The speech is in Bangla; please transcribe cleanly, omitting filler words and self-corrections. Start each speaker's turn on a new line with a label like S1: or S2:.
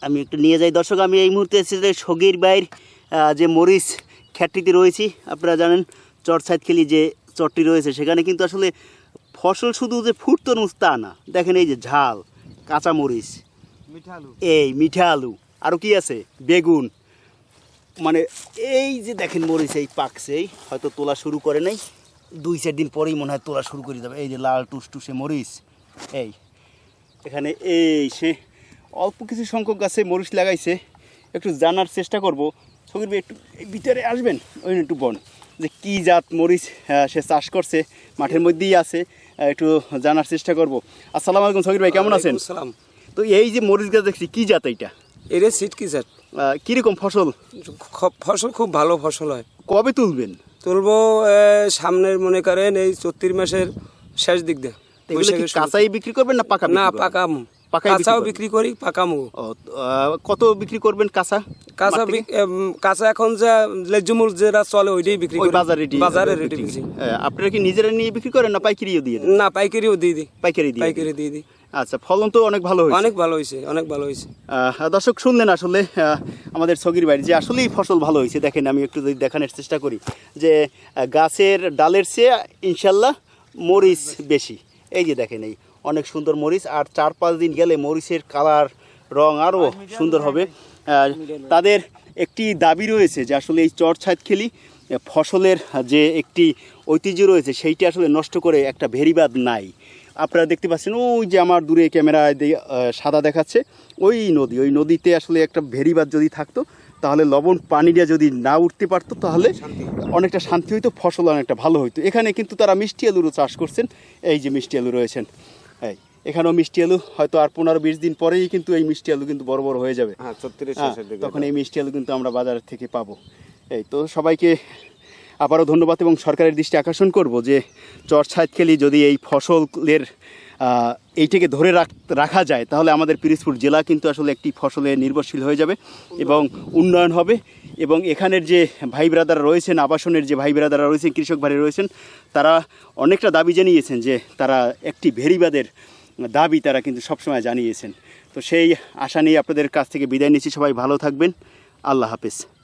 S1: আমি একটু নিয়ে যাই দর্শক। আমি এই মুহূর্তে এসেছি যে সগির বাইর যে মরিচ খ্যাটটিতে রয়েছি। আপনারা জানেন চরসাইদখালি যে চরটি রয়েছে সেখানে কিন্তু আসলে ফসল শুধু যে ফুটতরমুজ তা না, দেখেন এই যে ঝাল কাঁচা মরিচ, এই মিঠা আলু, আরও কি আছে বেগুন, মানে এই যে দেখেন মরিচ এই পাকছেই, হয়তো তোলা শুরু করে নাই, 2-4 দিন পরেই মনে হয় তোলা শুরু করে যাবে। এই যে লাল টুসটুসে মরিচ, এই এখানে এই সে অল্প কিছু সংখ্যক গাছে মরিচ লাগাইছে। একটু জানার চেষ্টা করব। সগির ভাই একটু ভিতরে আসবেন, ওই একটু বন যে কী জাত মরিচ সে চাষ করছে, মাঠের মধ্যেই আছে, একটু জানার চেষ্টা করব। আসসালামু আলাইকুম সগির ভাই, কেমন আছেন?
S2: সালাম।
S1: তো এই যে মরিচ গাছ দেখছি, কী জাত এইটা?
S2: এটা সিট কি জাত?
S1: কীরকম ফসল?
S2: ফসল খুব ভালো ফসল হয়।
S1: কবে তুলবেন?
S2: তুলবো সামনের মনে করেন এই 34 মাসের শেষ দিক দিয়ে।
S1: এগুলো কি কাঁচাই বিক্রি করবেন না পাকা?
S2: না, পাকামু। কাঁচাও বিক্রি করি, পাকামু।
S1: কত বিক্রি করবেন কাঁচা?
S2: কাঁচা এখন যা লেজুমুল যেটা চলে ওইটাই বিক্রি করি, বাজারে রেটে বিক্রি।
S1: আপনারা কি নিজেরা নিয়ে বিক্রি করেন না পাইকারিও দিয়ে?
S2: না, পাইকারিও দিয়ে দিই।
S1: পাইকারি দিয়ে দিই। আচ্ছা, ফলন তো অনেক ভালো হয়েছে।
S2: অনেক ভালো হয়েছে, অনেক ভালো হয়েছে।
S1: দর্শক শুনলেন আসলে আমাদের সগির বাড়ি যে আসলেই ফসল ভালো হয়েছে। দেখেন আমি একটু যদি দেখানোর চেষ্টা করি যে গাছের ডালের চেয়ে ইনশাল্লাহ মরিচ বেশি। এই যে দেখেন এই অনেক সুন্দর মরিচ, আর 4-5 দিন গেলে মরিচের কালার রং আরও সুন্দর হবে। তাদের একটি দাবি রয়েছে যে আসলে এই চরসাইদখালি ফসলের যে একটি ঐতিহ্য রয়েছে সেইটি আসলে নষ্ট করে একটা ভেরিবাদ নাই। আপনারা দেখতে পাচ্ছেন ওই যে আমার দূরে ক্যামেরায় সাদা দেখাচ্ছে ওই নদীতে আসলে একটা ভেরিবাদ যদি থাকতো তাহলে লবণ পানিটা যদি না উঠতে পারতো তাহলে অনেকটা শান্তি হইতো, ফসল অনেকটা ভালো হইতো। এখানে কিন্তু তারা মিষ্টি আলুরও চাষ করছেন। এই যে মিষ্টি আলু রয়েছেন, এই এখানেও মিষ্টি আলু, হয়তো আর 15-20 দিন পরেই কিন্তু এই মিষ্টি আলু কিন্তু বড় বড় হয়ে যাবে। তখন এই মিষ্টি আলু কিন্তু আমরা বাজার থেকে পাবো। এই তো সবাইকে আবারও ধন্যবাদ এবং সরকারের দৃষ্টি আকর্ষণ করব যে চরসাইদখালি যদি এই ফসলের এইটাকে ধরে রাখা যায় তাহলে আমাদের পিরোজপুর জেলা কিন্তু আসলে একটি ফসলে নির্ভরশীল হয়ে যাবে এবং উন্নয়ন হবে। এবং এখানের যে ভাই ব্রাদাররা রয়েছেন, আবাসনের যে ভাই ব্রাদাররা রয়েছেন, কৃষক ভাই রয়েছেন, তারা অনেকটা দাবি জানিয়েছেন যে তারা একটি ভেরিবাদের দাবি তারা কিন্তু সবসময় জানিয়েছেন। তো সেই আশা নিয়ে আপনাদের কাছ থেকে বিদায় নিচ্ছি। সবাই ভালো থাকবেন। আল্লাহ হাফেজ।